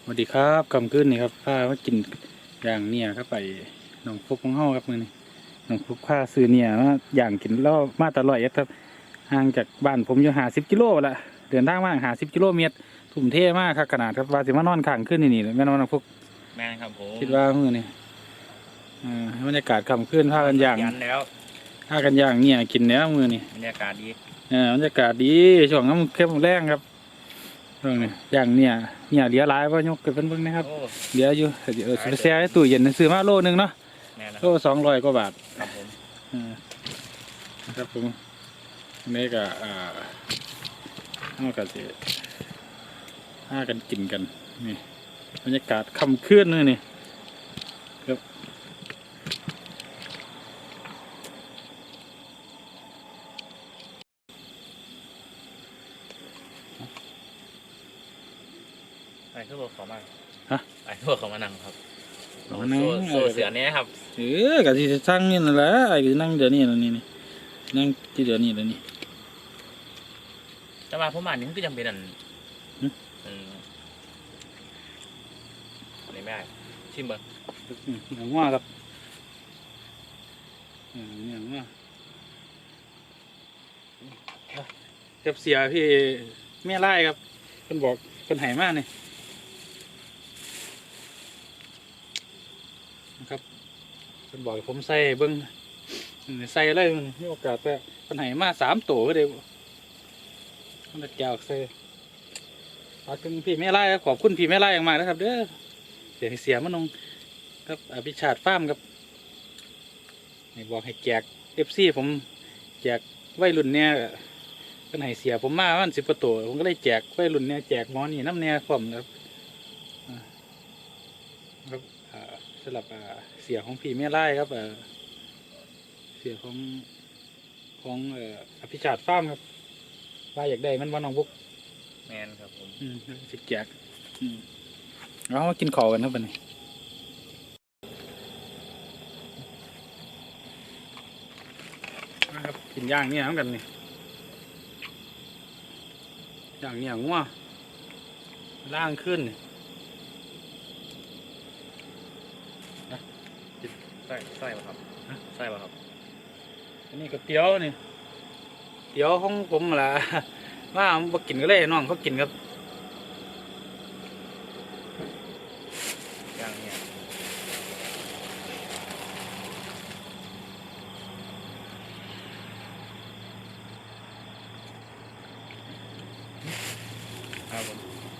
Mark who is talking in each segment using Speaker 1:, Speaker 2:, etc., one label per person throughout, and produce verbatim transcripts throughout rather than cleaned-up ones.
Speaker 1: สวัสดีครับกำขึ้นนี่ครับผ้าว่ากินอย่างเนี่ยครับไปหนองฟุกของเฮาครับมือนี่หนองฟุกผ้าซื้อเนี่ยมาอย่างกินแล้วมาตลอดครับห่างจากบ้านผมอยู่หาสิบกิโลละเดินทางมาหาสิบกิโลเมตรทุ่มเทมากครับขนาดครับว่าสิมานอนข้างขึ้นนี่นี่แม่นอนหนองฟุก
Speaker 2: แม่ครับผม
Speaker 1: คิดว่ามือนี่อ่าบรรยากาศกำขึ้นผ้ากันอย่าง
Speaker 2: แล้ว
Speaker 1: ผ้ากันอย่างเนี่ยกินเนี้ยมือนี่
Speaker 2: บรรยากาศดี
Speaker 1: เออบรรยากาศดีช่วงน้ำเข้มแรงครับอย่างเนี่ยเนี่ยเหลือหลายว่ายกเกิดเป็นเบิ่งนะครับเหลืออยู่เออแช่ตู้เย็นซื้อมาโลนึงเนาะโลสองร้อยกว่าบาท
Speaker 2: ครับผม
Speaker 1: ครับผมนี่ก็อ่าเอากันสิห้ากันกินกันนี่บรรยากาศค่ำคืนนี่นี่ครับ
Speaker 2: ไอ้ทุกคนขอมา
Speaker 1: ฮะ
Speaker 2: ไอ้ทุกคนขอมานั่งครับโซ่เสือเนี้ยครับ
Speaker 1: เออกับที่สร้างนี่นั่นแหละไอ้ก็นั่งเดี๋ยวนี้แล้วนี่นี่นั่งที่เดี๋ยวนี้แล้วนี่
Speaker 2: แต่ว่าผมอ่านนี่ก็ยังเป็นอันอันนี้ไม่ได้ชิมเบอร์
Speaker 1: หนังว่าครับหนังว่าเจ็บเสียพี่แม่ไล่ครับคนบอกคนหายมากนี่นะครับคนบอกผมใส่เบิ้งใส่เลยมีโอกาสแต่คนหายมาสามตัวก็เดี๋ยวมันจะแก้วใส่ขอบคุณพี่แม่ไล่ครับขอบคุณพี่แม่ไล่อย่างมากนะครับเด้อเสียเสียมันงครับอภิชาติฟาร์มครับนี่บอกให้แจกเอฟซีผมแจกวัยรุ่นเนี่ยคนหายเสียผมมาวันสิบประตูผมก็เลยแจกวัยรุ่นเนี่ยแจกหมอนี่น้ำเนี่ยผมครับครับสำหรับเสียของพี่แม่ไล่ครับเสียของของอภิชาติฟาร์มครับว่าอยากได้มันวันน้องบุ๊ก
Speaker 2: แมนครับผม
Speaker 1: สิแจกเรามากินข้าวกันครับวันนี้นะครับกินย่างเนี่ยเหมือนกันนี่ย่างเนี่ยงัวล่างขึ้น
Speaker 2: ใส่ใส่ป่ะครับใส่ป่ะครับ
Speaker 1: อันนี้ก็เตี๋ยวนี่เตี๋ยวของผมล่ะว่าผมกินก็เลยน้องเขากินครับ
Speaker 2: ย่างเนี่ยครับผม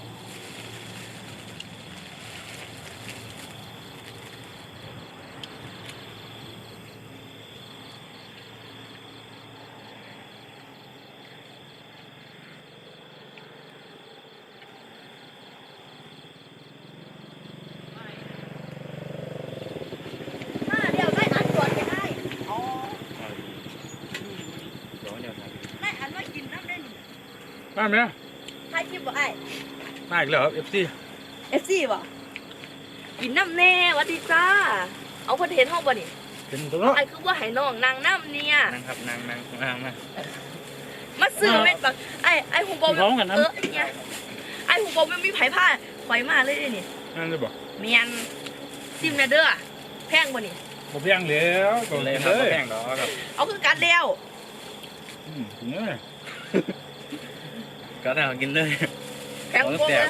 Speaker 1: มาไหม
Speaker 3: ใครคิดว่าไอ้
Speaker 1: มาอีกแล้วครับเอฟซี
Speaker 3: เอฟซีบ่กินน้ำแน่วัดดีจ้าเอาคนเห็นห้องบ่นี่
Speaker 1: เห็นตัวเนาะ
Speaker 3: ไอ้คือว่าให้น้องนางน้ำเนี่ย
Speaker 2: นั่งครับนั่งนั่งนั่งมา
Speaker 3: มาซื้อเม็ดบักไอ้ไอ้หูบอลเออเนี่ยไอ้หูบอลไม่มีไผ่ผ้าไข่มาเลยนี่
Speaker 1: นั่นเลยบ่
Speaker 3: เมียนซิมเนเด้อแพงบ่นี่
Speaker 1: บ่แพงแล้ว
Speaker 2: ก็เลยครับบ่แพงดอกครับ
Speaker 3: เอาคือการเดียว
Speaker 1: อืมเนี่ย
Speaker 2: ก็ได้กินเลย
Speaker 3: แพงกว่าเลย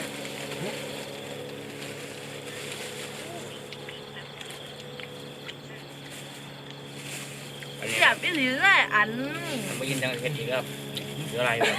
Speaker 3: อยากไปหรือไงอัน
Speaker 2: มากินจังเผ็ดอีกครับหรืออะไรครับ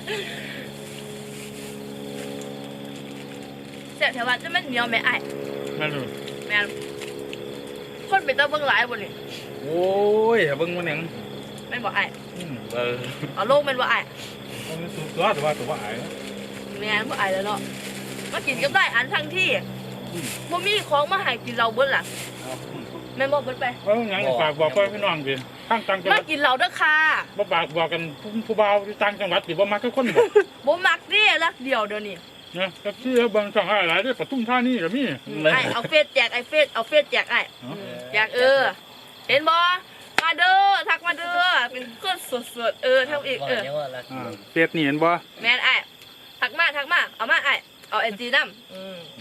Speaker 3: เสียแถวว่าจะไม่เหนียวแม่ไอ้
Speaker 1: นั่นเลย
Speaker 3: แม่คนเป็นตาเบิ่งหลายบ่นี่
Speaker 1: โอ้ยเบิ่งมันยัง
Speaker 3: ไม่บอกไอ้
Speaker 1: เออ
Speaker 3: เอาโลกเป็นว่าไอ้
Speaker 1: มันสูงตัวแต่ว่าตัวไอ้
Speaker 3: แม่บ่ไอ้แล้วเนาะมากินกับได้อันทั้งที่บ่มีของมาให้กินเราเบิ่นล่ะแม่บอกเบิ่นไป
Speaker 1: เออยังฝากบอกพี่น้องดิทางต่างจังหวัด
Speaker 3: มากินเราเด้อค่ะ
Speaker 1: บ่ฝากบอกกันผู้บ่าวต่างจังหวัดสิบ่มักทุกคนบ่
Speaker 3: บ่มักเด้รักเดียวเดี๋ยวนี้
Speaker 1: นะก็ชื่อบางช่องหลายๆด้วยปทุมธานีก็มี
Speaker 3: ไอ้เอาเฟซแจกไอ้เฟซเอาเฟซแจกไอ้แจกเออเห็นบ่มาเด้อทักมาเด้อเป็นคนสดๆเออเท่าอีกเออ
Speaker 1: เฟซนี่เห็นบ่
Speaker 3: แม่นไอ้ทักมาทักมาเอามาไอ้เอาเอ็นจีน้ำ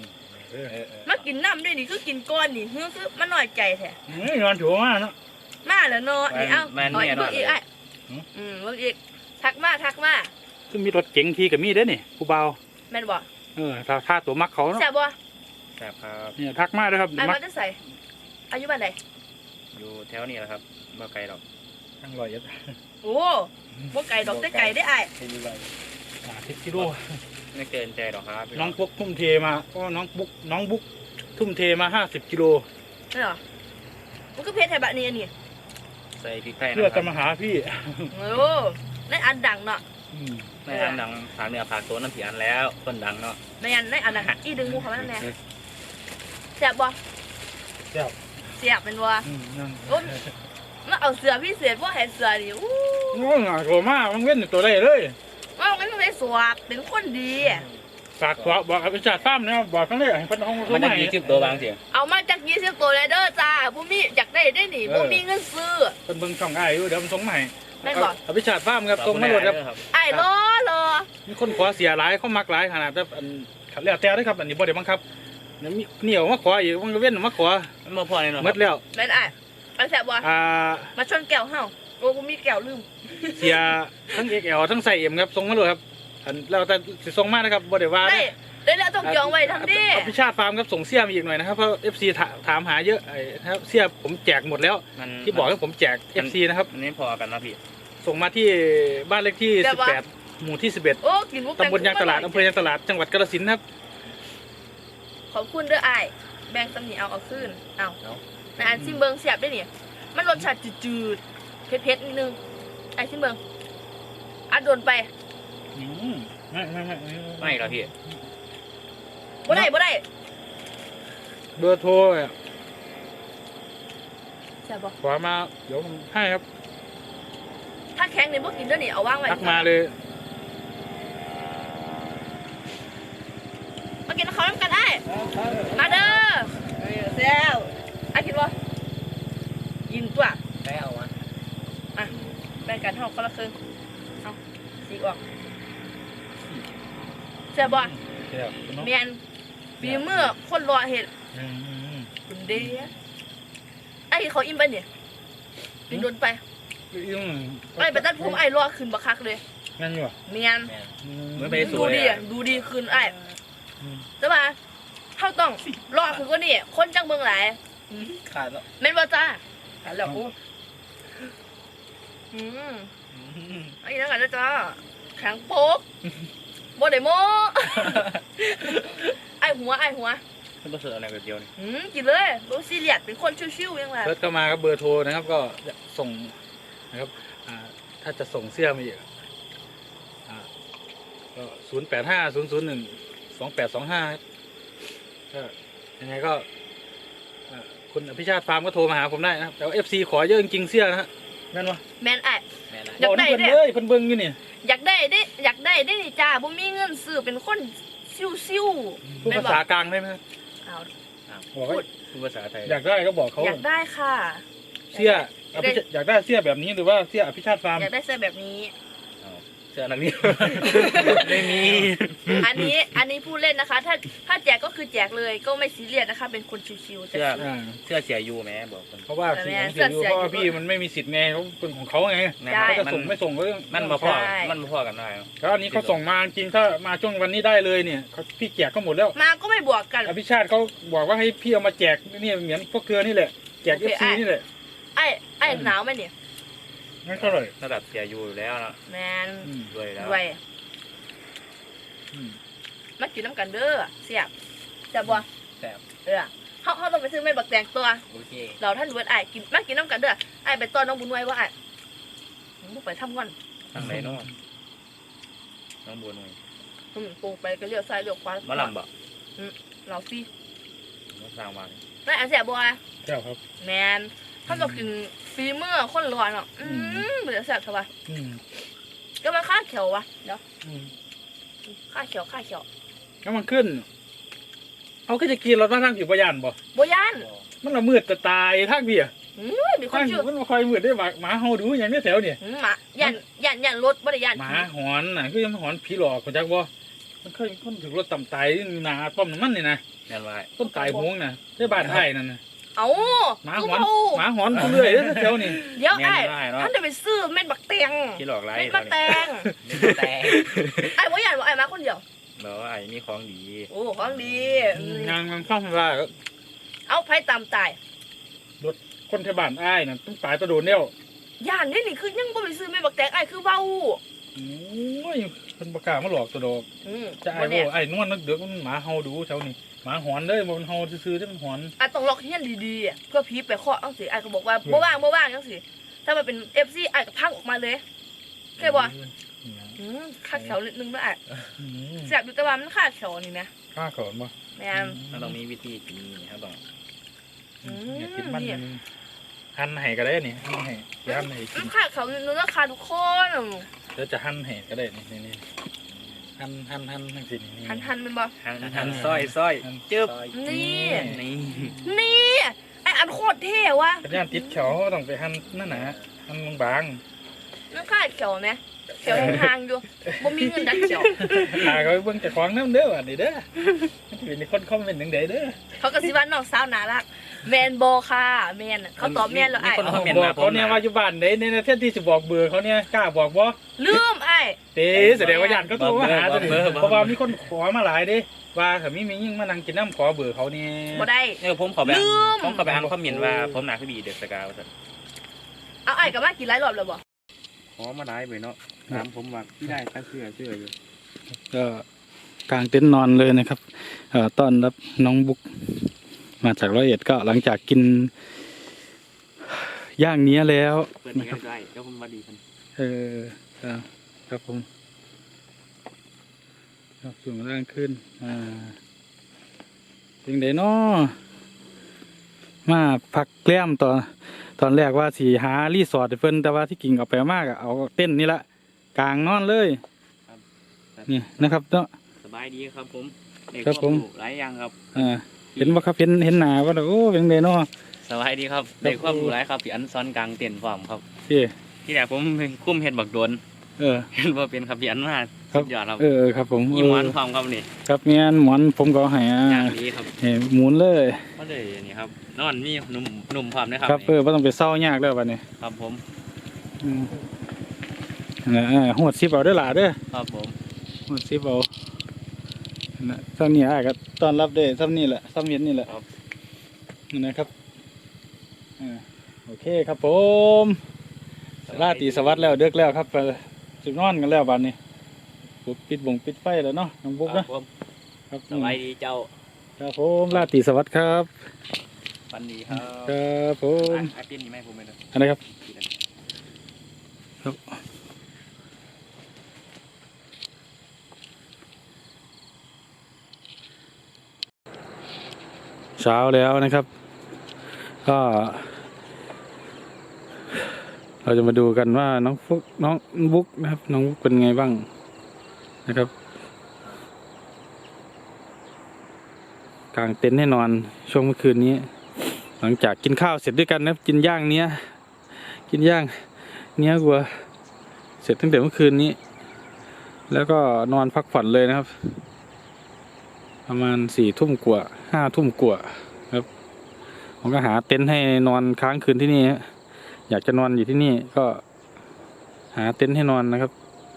Speaker 1: เออ
Speaker 2: เออเออ
Speaker 3: มากินน้ำด้วยนี่คือกินก้อนนี่คือคือมันน้อยใจแท้
Speaker 1: เฮ้ยนอนถูมากเนาะ
Speaker 3: มาแล้วเนาะนี่เอ้า
Speaker 2: แม่น
Speaker 3: เอา
Speaker 2: แน่
Speaker 3: อีก
Speaker 2: นอ
Speaker 3: เบิ่
Speaker 2: น
Speaker 3: งอีก
Speaker 2: เล
Speaker 3: ไอ้
Speaker 2: ย
Speaker 3: อืมเบิ่งอีกทักมาทักมา
Speaker 1: ซึ่งมีรถเก๋งทีกับมีเด้อนี่ผู้เบา
Speaker 3: แม่นบ่
Speaker 1: เออถ้าถ้าตัวมักเขาเนาะ
Speaker 3: แซ่บบ่
Speaker 2: แซ่บครับ
Speaker 1: เนี่ยทักมาด้วยครับ
Speaker 3: ไอ้
Speaker 1: มั
Speaker 3: มาก จะใส่อายุบ้านใด
Speaker 2: อยู่แถวนี้แหละครับบ่ไกลหรอก
Speaker 1: ทั้งร้อยเอ็ด
Speaker 3: โอ้บ่ไก่ดอกแต่ไก่ได้ไอ้
Speaker 2: ไม่มีไร
Speaker 1: อ่าสิบกิโล
Speaker 2: ไม่เกินใจหรอกครับพี่
Speaker 1: น้องปุ๊กทุ่มเทมาก็น้องบุ๊กน้องบุ๊กทุ่มเทมาห้าสิบกิโล
Speaker 3: นี่เหรอมันก็เพชรไทยแบบนี้อันนี้
Speaker 2: ใส่พริกไทยนะ
Speaker 1: เพื่อ
Speaker 2: ค
Speaker 1: จะ
Speaker 2: รับ
Speaker 1: มาหาพี่
Speaker 3: โอ้ในอันดังเนาะ
Speaker 1: อืม
Speaker 2: ในอันดังผากเหนือผากตัวน้ำผีอันแล้วคนดังเนาะ
Speaker 3: ในอันในอันดังอีดึงมูเขามาแน่แซ่บบ่
Speaker 1: เจ้า
Speaker 3: แซ่บเป็นบ่
Speaker 1: อืมนั่น
Speaker 3: โอ้มาเอาเสือพิเศษบ่ให้เสือนี่อู้
Speaker 1: โอ้ยหาโกมากมันเว้นตัวได้เลย
Speaker 3: ว่ามันไม่สวบเป็นคนดี
Speaker 1: ฝากขวาบอกอภิชาติซ้ำนะบอกกันเลยให้เพันห้อง
Speaker 2: มั
Speaker 1: เขา
Speaker 2: น
Speaker 1: ให
Speaker 2: จะ
Speaker 1: ม่
Speaker 2: มีคลิปตัวบางเสียง
Speaker 3: เอามาจากยี่สิบตัวเลยเด้อจ้าบ่มีอยากได้ได้หนิบ่มีเงินซื้อ
Speaker 1: เป็นเบิ่งช่องไอ้อยู่เดี๋ยวมันส่งใหม่
Speaker 3: แม่นบ่
Speaker 1: อภิชาติซ้ำครับส่งมาหมดครับ
Speaker 2: ครับ
Speaker 3: ไอ้รอรอ
Speaker 1: มีคนขอเสียหลายเขามักหลายขนาดแบบอันขัดแล้วแต่ด้วยครับอันนี้บ่ได้บังคับเดี๋ยวมีเหนียวมาขออีกมันก็เว้นมาขอ
Speaker 2: มันมาพอเลยเนาะ
Speaker 1: หมดแล้ว
Speaker 3: แม่นไอ้ไอ้แซ่บบ่
Speaker 1: อ่า
Speaker 3: มาชนแก้วเฮาโอ้บ่มีแก้วลืม
Speaker 1: เสียทั้ง เอ็กซ์ แอล ทั้งใส่เอ็มครับส่งมาเลยครับอันแล้วแต่สิส่งมานะครับบ่ได้ว่า
Speaker 3: ได้
Speaker 1: นะ
Speaker 3: ได้แล้วต้องจองไว้ทำดิ
Speaker 1: อภิชาติฟาร์มครับส่งเสี้ยมาอีกหน่อยนะครับเพราะ เอฟ ซี ถาถามหาเยอะไอ้นะครับเสี้ยผมแจกหมดแล้ว
Speaker 2: มัน
Speaker 1: ที่บอกให้ผมแจก เอฟ ซี นะครับ
Speaker 2: อันนี้พอกันนะพี่
Speaker 1: ส่งมาที่บ้านเลขที่สิบแปดหมู่ที่สิบเอ็ด
Speaker 3: โอ้กินมุก
Speaker 1: ตำบลยางตลาดอำเภอยางตลาดจังหวัดกาฬสินธุ์ครับ
Speaker 3: ขอบคุณเด้อไอ้แบ่งตำหนิเอาเอาคืนเอาในอันซิมเบิงเสียบได้นี่มันรสชาติจืดๆเผ็ดๆนิดนึงไอ้ซิมเบิงอัดโดนไป
Speaker 1: อืมไม่ไม่ไม่
Speaker 2: ไม่หรอกพี่
Speaker 3: บ่ได้บ่ได้
Speaker 1: เบอร์โทรอ่ะ
Speaker 3: แซ่บบ่
Speaker 1: ขอมาเดี๋ยวผมให้ครับ
Speaker 3: ถ้าแข็งนี่บ่กินเด้อนี่เอาวางไว้
Speaker 1: ทักมาเลย
Speaker 3: มากินข้าวน้ำกันไอ้มาเด้อแซ่บไอ้กินบ่กินตัว
Speaker 2: ได้เอาวะ
Speaker 3: อ่ะแบ่งกันเฮาคนละครึ่งเอาสีกออกแซ่บบ่
Speaker 1: เดี๋ยวเนาะ
Speaker 3: แม่นฝีมือคนรอเฮ็ด
Speaker 1: อืมอืมอืม
Speaker 3: คุณเด้ไอ้เขาอิ่มไปเนี่ยกินโดนไป
Speaker 1: อืม
Speaker 3: ไอ้ไปตัดผมไอ้รอขึ้นบักคักเลย
Speaker 1: งั้นอยู่อ่ะ
Speaker 3: เมียน
Speaker 2: แม่น
Speaker 1: อื
Speaker 2: เหมือนไปส
Speaker 3: ดู
Speaker 2: วย
Speaker 3: ดี
Speaker 2: อะ
Speaker 3: อ่ะดูดีขึ้นไอ้
Speaker 1: อืม
Speaker 3: แต่ว่าเขาต้องรอขึ้นกว่านี่คนจังเมืองหลาย
Speaker 2: ขาดแล้ว
Speaker 3: แม่นบ่จ้าหันแล้วโอ้อืมไอ้นั่นกันนะจ้าแข็งโป๊กบ่ได้โม้ ไอ้หัวไอ้หัว
Speaker 2: มันประเสริฐอะไรแบบเดียวนี่
Speaker 3: อืมกินเลยบ่ซีเรียสเป็นคนชิวๆยังไง
Speaker 1: เซิร์ชเข้ามาครับเบอร์โทรนะครับก็ส่งนะครับอ่าถ้าจะส่งเสื้อมาอีกอ่าก็ศูนย์แปดห้าศูนย์ศูนย์หนึ่งสองแปดสองห้าก็ยังไงก็อ่าคุณอภิชาติฟาร์มก็โทรมาหาผมได้นะครับแต่ว่าเอฟซีขอเยอะจริงๆเสื้อนะฮะนั่นวะ
Speaker 3: แม่นไอ้
Speaker 2: แม่น
Speaker 3: อยากได้
Speaker 1: บเพิ่น
Speaker 3: เนี่ย
Speaker 1: เลยเพิ่นเบิ่งอยู่นี่
Speaker 3: อยากได้ได้อยากได้ได้นี่จ้าบ่มีเงินซื้อเป็นคนซิวๆ
Speaker 1: พูด
Speaker 3: แม่น
Speaker 1: ภา
Speaker 3: บ่
Speaker 1: ษากลางได้ไหม
Speaker 3: เอา
Speaker 1: บอกว่า
Speaker 2: พูดภาษาไทย
Speaker 1: อยากได้ก็บอกเขา
Speaker 3: อยากได้ค่ะ
Speaker 1: เสื้ออภิชาติอยากได้เสื้อแบบนี้หรือว่าเสื้ออภิชาติฟาร์ม
Speaker 3: อยากได้เสื้อแบบนี้
Speaker 2: เสื้อนักเรียน
Speaker 1: ไม่มี
Speaker 3: อันนี้อันนี้พูดเล่นนะคะ ถ้าถ้าแจกก็คือแจกเลยก็ไม่ซีเรียสนะคะ เป็นคนชิวๆแต่
Speaker 2: เสื้อ
Speaker 1: อ่า
Speaker 2: เสื้อเสียยูแม่บอกคน
Speaker 1: เพราะว่า
Speaker 3: แต่
Speaker 1: สี
Speaker 3: แม่
Speaker 1: ของเสียอยู่
Speaker 3: เสื้อ
Speaker 1: เพราะว่า
Speaker 3: เสียอยู่
Speaker 1: พี่มันไม่มีสิทธิ์ไงเขาเป็นของเขาไง
Speaker 2: นะ
Speaker 3: ได้
Speaker 1: เขาจะ
Speaker 2: มัน
Speaker 1: ส่งไม่ส่งก็เรื่อง
Speaker 2: มันมาพ่อ
Speaker 3: ใช่
Speaker 2: มันมาพ่อกันได้
Speaker 1: แล้วอันนี้เขาส่งมาจริงถ้ามาช่วงวันนี้ได้เลยเนี่ยเขาพี่แจกก็หมดแล้ว
Speaker 3: มาก็ไม่บวกกัน
Speaker 1: อภิชาติเขาบอกว่าให้พี่เอามาแจกนี่เหมือนพวกเกลือนี่แหละแจก
Speaker 3: โอ
Speaker 1: เอ
Speaker 3: เค
Speaker 1: ฟซีนี่แหละ
Speaker 3: ไอ้ไอ้หนาวไหมเนี่ย
Speaker 1: งั้นเท่าไหร่
Speaker 2: ระดับเสียยูอยู่แล้วนะ
Speaker 3: แมน
Speaker 1: อืม
Speaker 2: ด้วยแล้ว
Speaker 3: ด้วย
Speaker 1: อืม
Speaker 3: มากินน้ำกันเด้อเสียบเสียบบัว
Speaker 2: แซ่บ
Speaker 3: เออเขาเขาต้องไปซื้อเม็ดบักแตงตัว
Speaker 2: โอเค
Speaker 3: เราท่านเวิร์ดไอ้กินมากินน้ำกันเด้อไอ้ไปต้อนน้องบุญไว้ว่าไอ้มึงไปทำก่อน
Speaker 2: ทางไหนเนาะน้องบัวหน่อย
Speaker 3: อืมปรุงไปก็เลี้ยวซ้ายเลี้ยวขวา
Speaker 2: มาลำบ่
Speaker 3: เราฟรี
Speaker 2: มาสร้างมา
Speaker 3: นั่นอันเสียบัว
Speaker 1: แก้วครับ
Speaker 3: แมนถ้าเรากินฟีเมื่อคนร้อนอ่ะอืมเดี๋ยวแสบสบาย
Speaker 1: อืม
Speaker 3: ก็มันค่าเขียววะเดี๋ยว
Speaker 1: อืม
Speaker 3: ค่าเขียวค่าเขียว
Speaker 1: แล้วมันขึ้นเขาก็จะกินรถมาทางผิวพยานบ่
Speaker 3: โบยาน
Speaker 1: มันละมืดจะตายทางเบียร์
Speaker 3: อืมมีค
Speaker 1: ทาน ง
Speaker 3: ชื่อ
Speaker 1: มันมาคอยมืดได้หมาหมาเฮาดูอย่างนี้แถวเนี่ย
Speaker 3: อืมหมายันยันยันรถบ่ได้ยัน
Speaker 1: หมาหอนน่ะคือยังหอนผีหลอกคนจักบ่มันเคยมีคนถึงรถต่ำตายนี่นาป้อมน้ำมันนี่นะ
Speaker 2: แม่นว่า
Speaker 1: ต้นตายหวงน่ะได้บ้านไทยนั่นน่ะ
Speaker 3: เอา
Speaker 1: หมาหอนหมาหอนเรื่อยๆเจ้านี่
Speaker 3: เดี๋ยว
Speaker 2: แม่
Speaker 3: ไอ้
Speaker 2: นว่าเนาะ
Speaker 3: ท่านจะไปซื้อเม็ดบักแตง
Speaker 2: ที่หลอกไล่
Speaker 3: เม็ด
Speaker 2: ต
Speaker 3: บั
Speaker 2: อน
Speaker 3: กแต
Speaker 2: นี้
Speaker 3: ง
Speaker 2: แต่
Speaker 3: ไอ้บ่อยากบอกไอ้มาคนเดียว
Speaker 2: บอกว่าไอ้มีของดี
Speaker 3: โอ้ของดีอืม
Speaker 1: งานมันเข้ามาว่า
Speaker 3: เอาไผตามตาย
Speaker 1: คนที่บ้านอ้ายน่ะต้องตายตัวโดนเดียว
Speaker 3: ย่านนี่นี่คือยังบ่ไปซื้อเม็ดบักแตงไอ้คือเว้า
Speaker 1: โอ้ยเป็นประกล้าศมาหลอกตัวดอก
Speaker 3: อืม
Speaker 1: จะไอ้
Speaker 3: บ่
Speaker 1: โว้
Speaker 3: แน่
Speaker 1: ไอ้นวลนักเดือกมันหมาเฮาดูเจ้านี่หมาหอนเลยมันเฮาซื่อๆที่มันหอน
Speaker 3: ไอ้ต้องล็อกเฮียนดีๆอะเพื่อผีไปเคาะจังซี่ไอ้ก็บอกว่าบ่ว่างบ่ว่างจังซี่ถ้ามันเป็น เอฟ ซี ไอ้ก็พังออกมาเลยเคยบ่อืมคาดแขวนิดนึงด้วยไอ้
Speaker 1: อืม
Speaker 3: แซ่บอยู่แต่ว่ามันคาดแขวนี่นะ
Speaker 1: ข้าขอนบ่
Speaker 3: แม่น
Speaker 2: มันต้องมีวิธีกินนี่ครับต้อง
Speaker 3: อืม
Speaker 1: อยากกินมัน
Speaker 3: เนี่ย
Speaker 1: หั่นให้ก็ได้นี่หั่นให้สิหั่นให้กิ
Speaker 3: มัน นคาดแขวนิดนึงแล้วคาทุกคน
Speaker 1: แล้วจะหั่นให้ก็ได้นี่นี่นี่หั่นหั่นหั่นจังซี่นี่
Speaker 3: หันหันเป็นบ่
Speaker 2: หันหันซอยซอยจึ๊บ
Speaker 3: นี่
Speaker 2: นี่
Speaker 3: นี่ไอ้อันโคตรเท่ว่ะ
Speaker 1: กระย่านติดเขียวต้องไปหั่นนั่นน่ะหั่นบาง
Speaker 3: มันคาดแขวไหมแขวห่างๆอยู่บ่มีเงินดัดแขว
Speaker 1: ๆหาก็เบิ่งเจ้าของนำเด้อว่านี่เด้อมันสิเป็นคนคอมเมนต์จังได๋เด้อ
Speaker 3: เขาก็สิว่าน้องสาวน่ารักแมนบ่ค่ะแมนน่ะเขาตอบแมนแล้วไอ้
Speaker 1: เอาบอกเขาเนี่ยว่าอยู่บ้านไหนในประเทศที่สิบอกเบอร์เขาเนี่ยกล้าบอกบ่
Speaker 3: ลืมไอ้
Speaker 1: เต้แสดงว่าญาติเขาโทรมาหาตัวนี้เพราะว่ามีคนขอมาหลายเด้ว่าถ้ามีมียิ่งมานั่งกินน้ำขอเบอร์เขาเนี่ย
Speaker 3: บ่ได้
Speaker 2: เออผมขอไป
Speaker 3: ลืม
Speaker 2: ผมขอไปอ่านคอมเมนต์ว่าผมหนาคือบีเด็กสกาวสัน
Speaker 3: เอาไอ้กับมากี่หลายรอบแล้วบ่
Speaker 2: ขอมาได้ไปเนาะถามผมว่าพี่ได้ตั้งเสื้อเสื้ออยู่
Speaker 1: ก็กางเต็นท์นอนเลยนะครับเอ่อต้อนรับน้องบุ๊กมาจากร้อยเอ็ดก็หลังจากกินย่างเนี้ยแล้ว
Speaker 2: เปิด
Speaker 1: นะ
Speaker 2: นี้
Speaker 1: ครับ
Speaker 2: ได้เดี๋ยวผมมาดีกัน
Speaker 1: เออครับครับผมครับสูงร่างขึ้นอ่าเป็นไดเนาะมาพักแกล้มตอนตอนแรกว่าสีหารีสอร์ทให้เพิ่นแต่ว่าที่กิ่งเอาไปมากอะเอาเต้นท์นี่ละกลางนอนเลยนี่นะครับเนาะ
Speaker 2: สบายดีครับผมเด็ก
Speaker 1: ครับผม
Speaker 2: หลายอย่างครับ
Speaker 1: อ่าเห็นว่าครับเห็นเห็นหนาว่าโอ้เป็นไดเนาะ
Speaker 2: สบายดีครับเด็กความรู้หลายครับพี่อันซ้อนกลางเต็นท์ฟอร์มครับ
Speaker 1: พี่
Speaker 2: ที่แรกผมเป็นคุ้มเห็ดบักโดน
Speaker 1: เออ
Speaker 2: เห็นว่าเป็นครับพี่อันมา
Speaker 1: ครับ
Speaker 2: สุดยอดครับ
Speaker 1: เออครับผม
Speaker 2: ยี่หมอนฟอร์มครับนี่
Speaker 1: ครับเมียนหมอนผมก็ให้อ่า
Speaker 2: อย่างดีครับ
Speaker 1: ให้หมุนเลย
Speaker 2: ก็เลยนี่ครับนอนมีหนุ่มหนุ่มพร้อมนะครับ
Speaker 1: ครับเออไม่ต้องไปเศร้ายากแล้วบัดนี้
Speaker 2: ครับผม
Speaker 1: อืมนะอ่าหัวดซิปเอาเด้อหล่ะเด้อ
Speaker 2: ครับผม
Speaker 1: หัวดซิปเอานะซ้ำนี่อ้ายก็ต้อนรับได้ซ้ำนี่แหละซ้ำเย็นนี่แหละนะครับอ่าโอเคครับผมราตรีสวัสดิ์แล้วเดึกแล้วครับไปสินอนกันแล้วบัดนี้ปุ๊บปิดบงปิดไฟแล้วเนาะน้องบุ๊ก
Speaker 2: ครั
Speaker 1: นะ
Speaker 2: บผม
Speaker 1: ครับ
Speaker 2: สบายดีเจ้า
Speaker 1: ครับผมราตรีสวัสดิ์ครับ
Speaker 2: ปันดีครับ
Speaker 1: ครับผม
Speaker 2: ไอเปียนนี่ไหมผมไม่ได้
Speaker 1: อะไรครับครับเช้าแล้วนะครับ ก็ เราจะมาดูกันว่าน้องฟุกน้องบุ๊กนะครับ น้องบุ๊กเป็นไงบ้างนะครับกางเต็นท์ให้นอนช่วงเมื่อคืนนี้ หลังจากกินข้าวเสร็จด้วยกันนะครับกินย่างเนี้ยกินย่างเนี้ยวัวเสร็จตั้งแต่เมื่อคืนนี้ แล้วก็นอนพักผ่อนเลยนะครับ ประมาณสี่ทุ่มกว่าห้าทุ่มกว่าครับผมก็หาเต็นท์ให้นอนค้างคืนที่นี่ฮะอยากจะนอนอยู่ที่นี่ก็หาเต็นท์ให้นอนนะครับ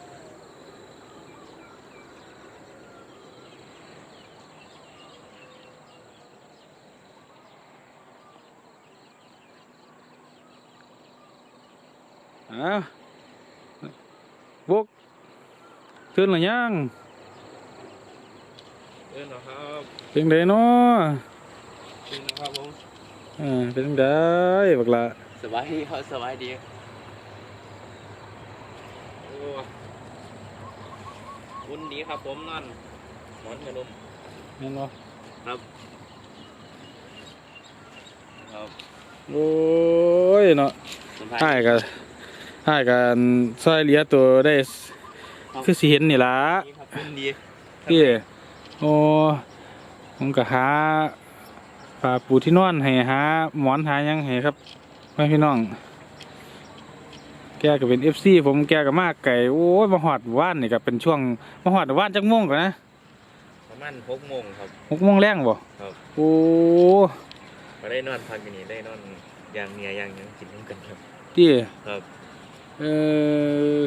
Speaker 1: อ้าวบุกตื่นหรือยัง
Speaker 2: เดินเหรอครับ
Speaker 1: เป็นไดเนาะ
Speaker 2: เดินนะครับผม
Speaker 1: อ่าเป็นไดบักละ
Speaker 2: สบายดีครับสบายดีโอ้อุ่นดีครับผมนอนหมอนกระดุม
Speaker 1: แม่นบ่
Speaker 2: ครับครับ
Speaker 1: โอ้ยเนาะ
Speaker 2: สบาย
Speaker 1: ใช่กันใช่กันซอยเหลียตัวได้คือสิเห็นนี่ล่ะ
Speaker 2: ดีครับอุ่นดี
Speaker 1: พี่โอ้ผมก็หาปลาปูที่นอนให้หาหมอนหาหยังให้ครับพ่อพี่น้อง แกก็เป็น เอฟ ซี ผมแกก็มากไก่โอ้ยมาหอดว่านนี่ก็เป็นช่วงมาหอดว่านจักโมงก่อนนะ
Speaker 2: ประมาณหกโมงครับ
Speaker 1: หกโมงแรงบ่
Speaker 2: ครับ
Speaker 1: โอ้
Speaker 2: มาได้นอนพักอยู่นี่ได้นอนอย่างเนียอย่างหยังกินน้ำกันครับ
Speaker 1: ที่
Speaker 2: ครับ
Speaker 1: เออ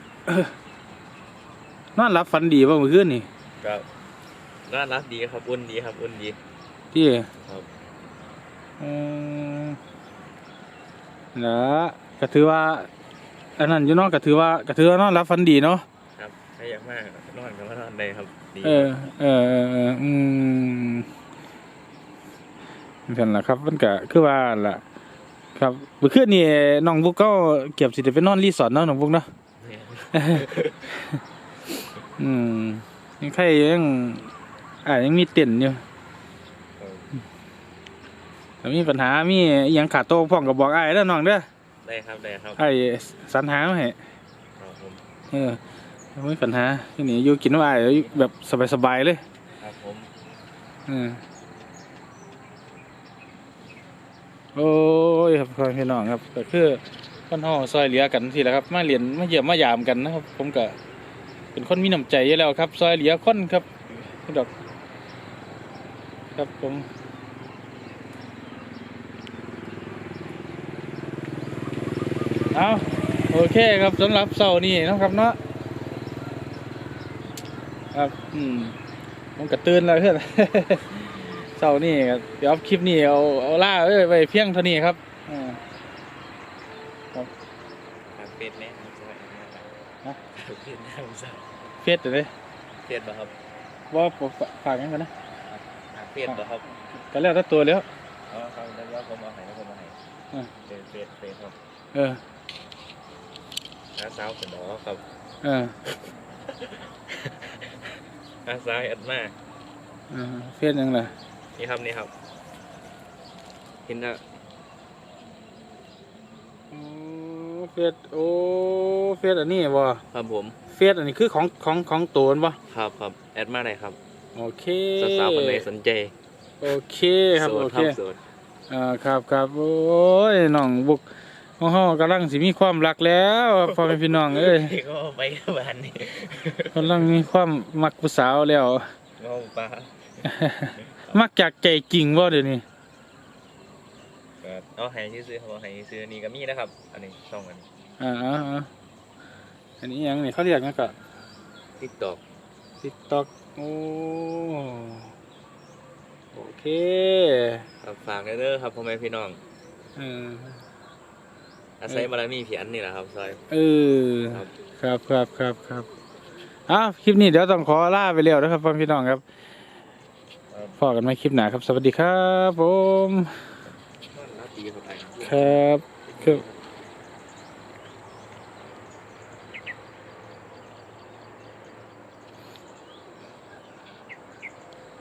Speaker 1: นอนหลับฝันดีป่ะเมื่อคืนนี่
Speaker 2: ก็น่ารักดีครับอุ่นดีครับอุ่นดี
Speaker 1: ที่
Speaker 2: ครับ
Speaker 1: อืมนะก็ถือว่าอันนั้นอยู่เนอกก็ถือว่าก็ถือว่านอนหลับฝันดีเนาะ
Speaker 2: ครับถ้าอยากมากนอนก็มานอนได้ครับดี
Speaker 1: เออเออเออเอออืมนั่นแหละครับมันก็คือว่าล่ะ ครับเมื่อคืนนี่น้องบุกก็เก็บสิได้ไปนอนรีสอร์ทเนาะน้องบุกเนาะ
Speaker 2: เนี่ย
Speaker 1: อืมยังใครยังอ่ายังมีเต็นท์อยู่
Speaker 2: ครับ
Speaker 1: ถ้ามีปัญหามีอหยังขาดโต๊ะพ่องก็บอกอ้ายเด้อน้องเด้อ
Speaker 2: ได้ครับได้ครับ
Speaker 1: อ้ายสรรหามาให้
Speaker 2: ครับผม
Speaker 1: เออไม่มีปัญหาที่นี่อยู่กินว่าอ้ายแบบสบายๆเลย
Speaker 2: ครับผม
Speaker 1: อืมโอ้ยครับพ่อพี่น้องครับก็คือคนเฮาซอยเหลือกันทีแหละครับมาเรียนมาเยี่ยมมายามกันนะครับ ผมก็เป็นคนมีน้ำใจอยู่แล้วครับ ซอยเหลือคนครับดอกครับผมเอาโอเคครับสำหรับเสาร์นี้นะครับเนาะครับอืมผมก็ตื่นแล้วเพื่อน เสาร์นี้ก็เดี๋ยวคลิปนี้เอาเอาล่าเอ้ยไปเพียงเท่านี้ครับอ่า
Speaker 2: ครับเฟซแน่ครับสวัสดีครับ
Speaker 1: ฮะ
Speaker 2: เฟซแน่ผมทราบ
Speaker 1: เฟซเดี๋ยวนี้
Speaker 2: เฟซบ่ครับ
Speaker 1: ว่าผมฝากงั้นก่อนนะ
Speaker 2: เฟซบ่ครับ
Speaker 1: ก็แล้วแต่ตัวแล้ว
Speaker 2: อ๋อครับแล้วว่าผมเอาให้แล้วผมเอาให้
Speaker 1: อ่า
Speaker 2: เฟซเฟซเฟซครับ
Speaker 1: เออ
Speaker 2: น้าสาวเป็นหมอครับ
Speaker 1: เออ
Speaker 2: น้าสาวแอดมา
Speaker 1: เออเฟซยังไง
Speaker 2: นี่ครับนี่ครับเห็นนะ
Speaker 1: โอ้เฟซโอ้เฟซอันนี้บ่
Speaker 2: ครับผม
Speaker 1: เฟซอันนี้คือของของของตัวบ่
Speaker 2: ครับครับแอดมาได้ครับ
Speaker 1: โอเค
Speaker 2: สาวๆคนไหนสนใจ
Speaker 1: โอเคครับ
Speaker 2: โส
Speaker 1: โอ
Speaker 2: ด
Speaker 1: เค
Speaker 2: โสด
Speaker 1: อ่าครับครับโอ้ยน้องบุกของเฮากำลังสิมีความรักแล้วพ่อแม่พี่น้องเอ้ย
Speaker 2: ก็ไปบ้านนี่
Speaker 1: กำลังมีความมักผู้สาวแล้ว
Speaker 2: ก็ปลา
Speaker 1: มักจากใจจริงบ่เดี๋ยวนี้
Speaker 2: เอาให้ซื้อเขาให้ซื้อนี่ก็มีนะครับ อันนี้ช่องอันนี้
Speaker 1: อ่าอ่าอ่าอันนี้ยังนี่เขาเรียกนะก็
Speaker 2: ติ๊กต็อก
Speaker 1: TikTok โอ้โอเค
Speaker 2: ครับฝากเด้อครับพ่อแม่พี่น้อง
Speaker 1: เออ
Speaker 2: อาศัยบารมีพี่อันนี่แหละครับซอย
Speaker 1: เออ
Speaker 2: ครับ
Speaker 1: ครับครับครับครับอ้าวคลิปนี้เดี๋ยวต้องขอลาไปแล้วนะครับพ่อพี่น้องครับพอกันใหม่คลิปหน้าครับ สวัสดีครับผม
Speaker 2: รับดีครับไอ้
Speaker 1: ครับครับ